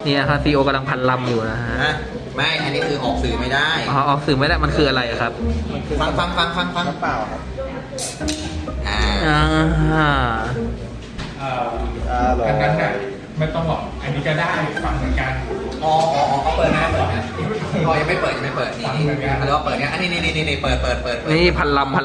เนี่ยครับซีโอกำลังพันลำอยู่นะฮะไม่อันนี้คือออกสื่อไม่ได้อ๋อออกสื่อไม่ได้มันคืออะไรครับฟังน้ำเปล่าครับอ่าอ่าอันนั้นน่ะไม่ต้องหรอกอันนี้ก็ได้ฟังเหมือนกันอ๋อเขาเปิดนะอ๋อยังไม่เปิดนี่อะไรว่าเปิดเนี่ยอันนี้เปิดนี่พันลำ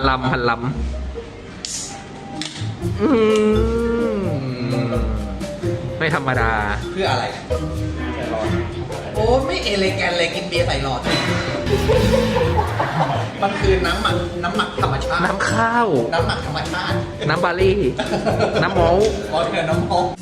อืมไม่ธรรมดาเพื่ออะไรโอ้ไม่เอเลแกนเลยกินเบียร์ใส่หลอดมันคือน้ำหมักธรรมชาติน้ำข้าวน้ำหมักธรรมชาติน้ำบารี่ น้ำมอลต์อ๋อเธอน้ำมง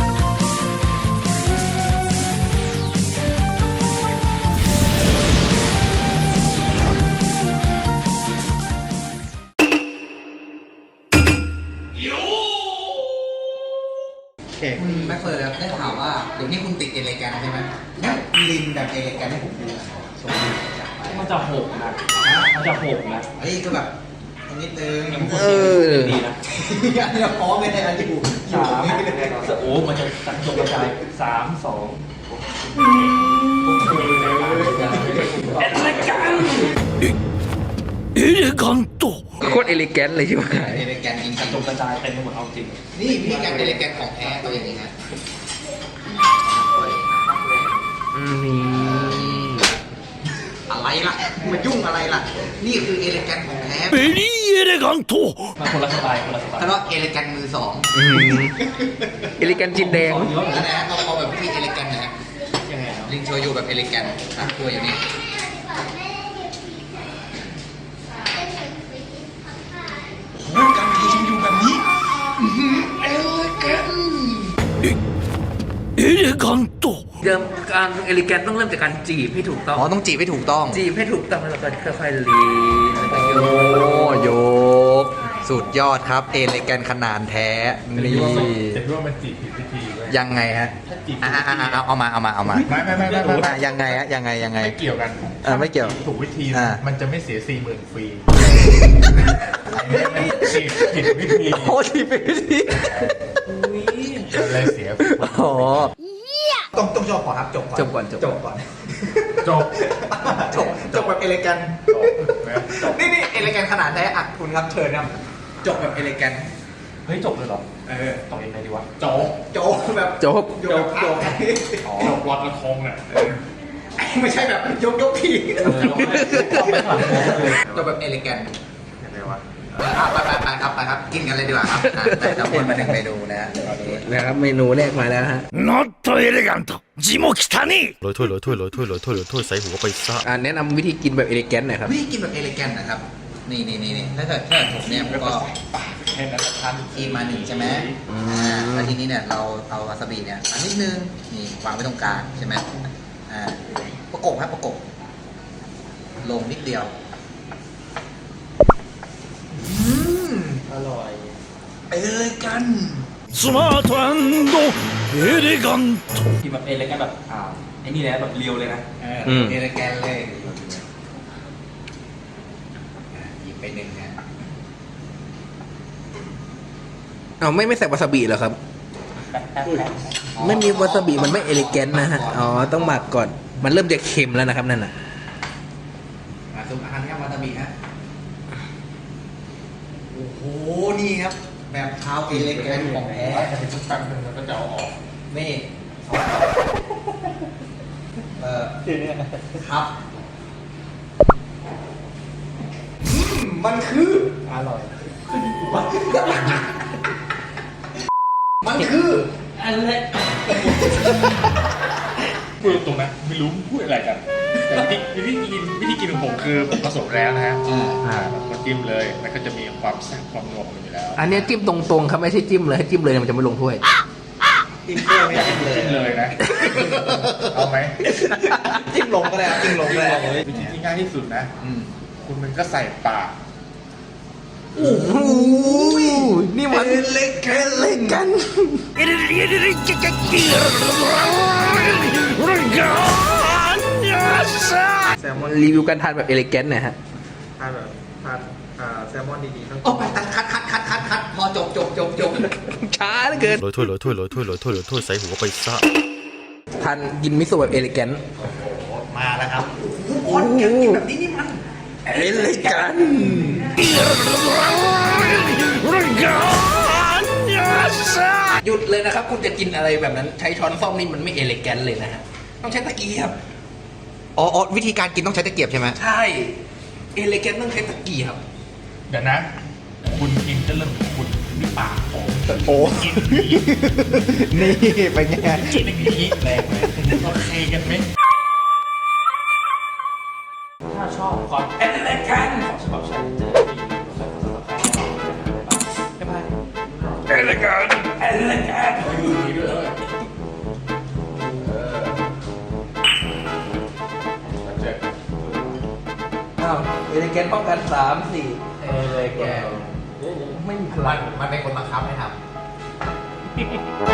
คุณแม็กเฟิร์ดได้ข่าวว่าเดี๋ยวนี้คุณติดเอเลแกนใช่ไหมลินแบบเอเลแกนให้ผมดูส่งจากไปมันจะหกนะมันจะหกนะเฮ้ยก็แบบนิดนึงดีนะอันนี้พร้อมเลยนะอันอยู่สามโอ้มันจะสังจบกระจาย3 2 เอเลกันโตโคตรเอลิแกนเลยใช่ไหมเอเลแกนจริงสังจบกระจายเต็มไปหมดเอาจริงนี่พี่แกนเอเลแกนของแท้ตัวอย่างนี้ฮะนี่อะไรล่ะมายุ่งอะไรล่ะนี่คือเอเลแกนของแท้เบลี่เอเลกันโตมาคนละสไตล์คนละสไตล์แล้วก็เอเลแกนมือสองเอลิแกนจินแดงแล้วนะเอาแบบพี่เอเลแกนนะฮะยังไงครับลิงโชยุแบบเอเลแกนตัวอย่างนี้โอ้ยการยิงอยู่แบบนี้เอเลแกนเอเลกันโตเดิมการเอลิแกนต้องเริ่มจากการจีบให้ถูกต้องอ๋อต้องจีบให้ถูกต้องจีบให้ถูกต้องแล้วก็ค่อยๆลีนแล้วก็โยโยกสุดยอดครับเอเลแกนขนาดแท้นี่จะคิดว่ามันจีบผิดวิธีเว้ยยังไงฮะถ้าจีบเอามาไม่ยังไงฮะยังไงไม่เกี่ยวกันไม่เกี่ยวถูกวิธีอ่ามันจะไม่เสีย40,000ฟรีจีบผิดวิธีโอ้ทีไปทีอะไรเสียอ๋อต้องจบก่อนครับจบก่อนจบก่อนจบจบแบบเอเลแกนนี่เอเลแกนขนาดแท้อักคุณครับเชิญครับจบแบบเอเลแกนเฮ้ยจบเลยเหรอจบยังไงดีวะจบจบแบบจบจบจบวัดละคงเนี่ยไม่ใช่แบบยกทีจบแบบเอเลแกนยังไงวะไปครับกินกันเลยดีกว่าครับแต่ทั้งหมดมาหนึ่งเมนูนะนะครับเมนูแรกมาแล้วฮะ not elegant 字も汚ねえใส่หัวไปซะแนะนำวิธีกินแบบเอลิแกนหน่อยครับวิธีกินแบบเอเลแกนนะครับนี่ถ้าเกิดผมเนี่ยผมก็แค่นั้นท่านคีมาหนึ่งใช่ไหมแล้วทีนี้เนี่ยเราเอาวาซาบิเนี่ยอันนิดนึงนี่วางไว้ตรงกลางใช่ไหมประกบครับประกบลงนิดเดียวอร่อยไปเลยกันスマートエレガントกินแบบเอเล็กกันแบบไอ้นี่นะแบบเรียวเลยนะเอเลแกนเลยหยิบไปหนึ่งนะเอาไม่ใส่วาซาบิเหรอครับ ไม่มีวาซาบิมันไม่เอลิแกนนะฮะ อ๋อ ต้องหมักก่อน มันเริ่มจะเค็มแล้วนะครับนั่นน่ะซุปอาหารครับวาซาบิฮะโอ้โหนี่ครับแบบเท้าเอเลแกนของแท้จะเป็นชุดแป๊บนึงแล้วก็จะเอาออกนี่ครับมันคืออร่อยมันคืออะไรพูดตรงนะไม่รู้พูดอะไรกันแต่วิธีกินของผมคือผมผสมแล้วนะฮะมันจิ้มเลยมันก็จะมีความแซ่บความนัวของมันอยู่แล้วอันเนี้ยจิ้มตรงๆครับไม่ใช่จิ้มเลยให้จิ้มเลยมันจะไม่ลงถ้วยจิ้มเพื่อไม่จิ้มเลยจิ้มเลยนะเอาไหมจิ้มลงก็ได้จิ้มลงก็ได้วิธีที่ง่ายที่สุดนะคุณมันก็ใส่ปากโอ้โหนี่มันเอลิแกนแซลมอนรีวิวการทานแบบเอลิแกนหน่อยฮะทานแบบทานแซลมอนดีๆต้องโอ้ไปตัดคัดพอจบช้าเหลือเกินโรยถ้วยใส่หัวไปซะทานกินมิโซะแบบเอลิแกนมาแล้วครับโอ้โหแบบนี้นี่มันเอลิแกนหยุดเลยนะครับ คุณจะกินอะไรแบบนั้น ใช้ช้อนส้อมนี่มันไม่เอลิแกนเลยนะฮะ ต้องใช้ตะเกียบอ๋อวิธีการกินต้องใช้ตะเกียบใช่ไหมใช่ เอลิแกนต้องใช้ตะเกียบเดี๋ยวนะ คุณกินจะเริ่มจากคุณนี่ปากผมโอ้นี่ไปไงกินอย่างนี้แรงไหมโอเคกันไหมถ้าชอบความเอลิแกนของฉบับชาเลนเจอร์บ๊ายบายเอลิแกนอยู่นี่ด้วยเลยเจ็บอ้าว เอลิแกนป้องกัน3-4 เอลิแกนไม่มีพลังมันเป็นคนบังคับให้ทำ